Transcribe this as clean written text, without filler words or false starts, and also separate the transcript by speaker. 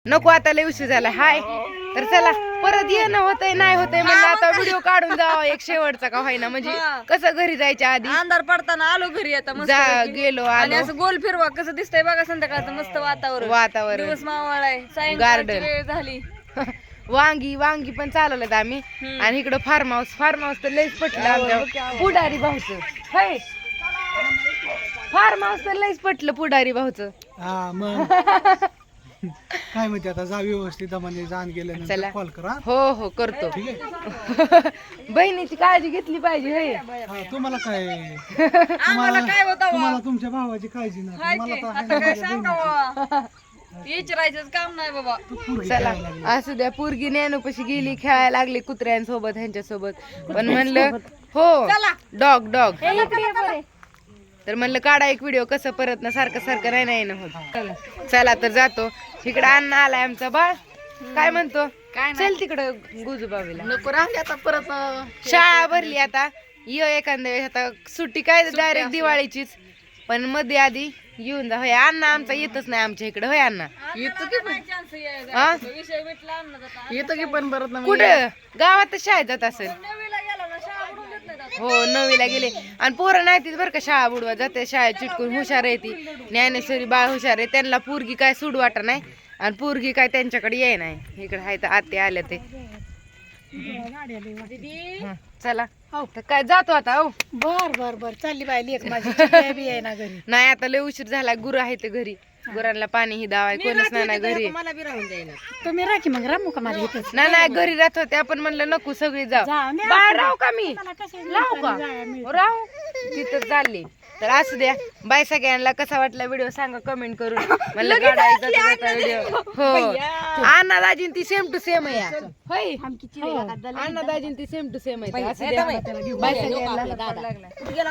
Speaker 1: नको आता लय उशीर झाला हाय तर चला परत येणं होतंय नाही होतंय म्हणलं आता व्हिडिओ काढून जावा एक शेवटचा का होईना म्हणजे कसं घरी जायच्या आधी
Speaker 2: अंधार पडताना आलो घरी आता मस्त
Speaker 1: गेलो
Speaker 2: आणि
Speaker 1: आलो
Speaker 2: असं गोल फिरवा कसं दिसतंय बघा संध्याकाळचं मस्त वातावरण दिवस मावळ आहे सायंकाळची वेळ झाली
Speaker 1: वांगी वांगी पण चालवलं आम्ही आणि इकडं फार्म हाऊस तर लयच पटलं आमच्या पुढारी भाऊचं हाय फार्म हाऊस तर लयच पटलं पुढारी भाऊचं
Speaker 3: हा मग काय म्हणते आता जा व्यवस्थित म्हणजे जाण गेल्यानंतर कॉल करा
Speaker 1: हो हो करतो
Speaker 3: ठीक आहे
Speaker 1: बहिणीची काळजी घेतली पाहिजे होय
Speaker 3: हा, तुम्हाला काय
Speaker 2: आम्हाला काय होतं
Speaker 3: तुम्हाला तुमच्या भावाची काळजी नाही
Speaker 2: हाय
Speaker 3: मला
Speaker 2: की,
Speaker 3: तर आहे
Speaker 2: आता
Speaker 3: ना
Speaker 2: काय
Speaker 3: माझ्या
Speaker 2: सांगावं विचारायचंच काम नाही बाबा
Speaker 3: तू पोरगी
Speaker 1: चला
Speaker 3: खेळायला लागली.
Speaker 1: असू द्या पोरगी ज्ञानोपाशी गेली खेळायला लागली कुत्र्यांसोबत ह्यांच्यासोबत पण म्हणलं हो डॉग तर म्हणलं काढा एक व्हिडिओ कसं परत ना सारखं सारखं नाही ना होत चला तर जातो इकडं अण्णा आलाय आमचा बाळ काय म्हणतो चल तिकडं गुजूबावीला
Speaker 2: नको राहिले आता परत
Speaker 1: शाळा भरली आता एखाद्या वेळेस आता सुट्टी काय डायरेक्ट दिवाळीचीच पण मध्ये आधी येऊन जा होय अण्णा आमचा येतच नाही आमच्या इकडे होय अण्णा
Speaker 2: येतो की पण
Speaker 1: हा?
Speaker 2: विषय भेटला अन्नाचा
Speaker 1: येतो की पण परत कुठं गावातच शाळेत जात असेल
Speaker 2: नवीला गेला ना शाळा बुडून देत नाही आता.
Speaker 1: हो नववीला गेले आणि पोरं नाही तीच बरं का शाळा बुडवा जाते शाळेत चिटकून हुशार आहे ती ज्ञानेश्वरी बाळ हुशार आहे त्यांना पोरगी काय सूड वाटा नाही आणि पोरगी काय त्यांच्याकडे ये नाही इकडे हाय तर आते आल्या ते हं, चला तर काय जातो आता हो
Speaker 2: बर चालली बाई लेक माझी चिकन बी आहे ना घरी
Speaker 1: नाही आता लय उशीर झाला गुरु आहे ते घरी गुरांना पाणी ही दावाय कोणच नाही ना घरी
Speaker 2: मला बी राहून द्यायला तुम्ही राखी मग रामू का माझ्या इथं
Speaker 1: नाही घरी राहत होते आपण म्हणलं नको सगळी जाऊ बाहेर राहू का मी राहू का राहू तिथं चालली तर असू द्या बाय सगळ्यांना कसा वाटला व्हिडिओ सांगा कमेंट करून म्हणलं काढायचा व्हिडिओ हो अण्णा दाजीन ती सेम टू सेम आहे होय अण्णा दाजीन ती सेम टू सेम आहे असू द्या बाय सगळ्यांना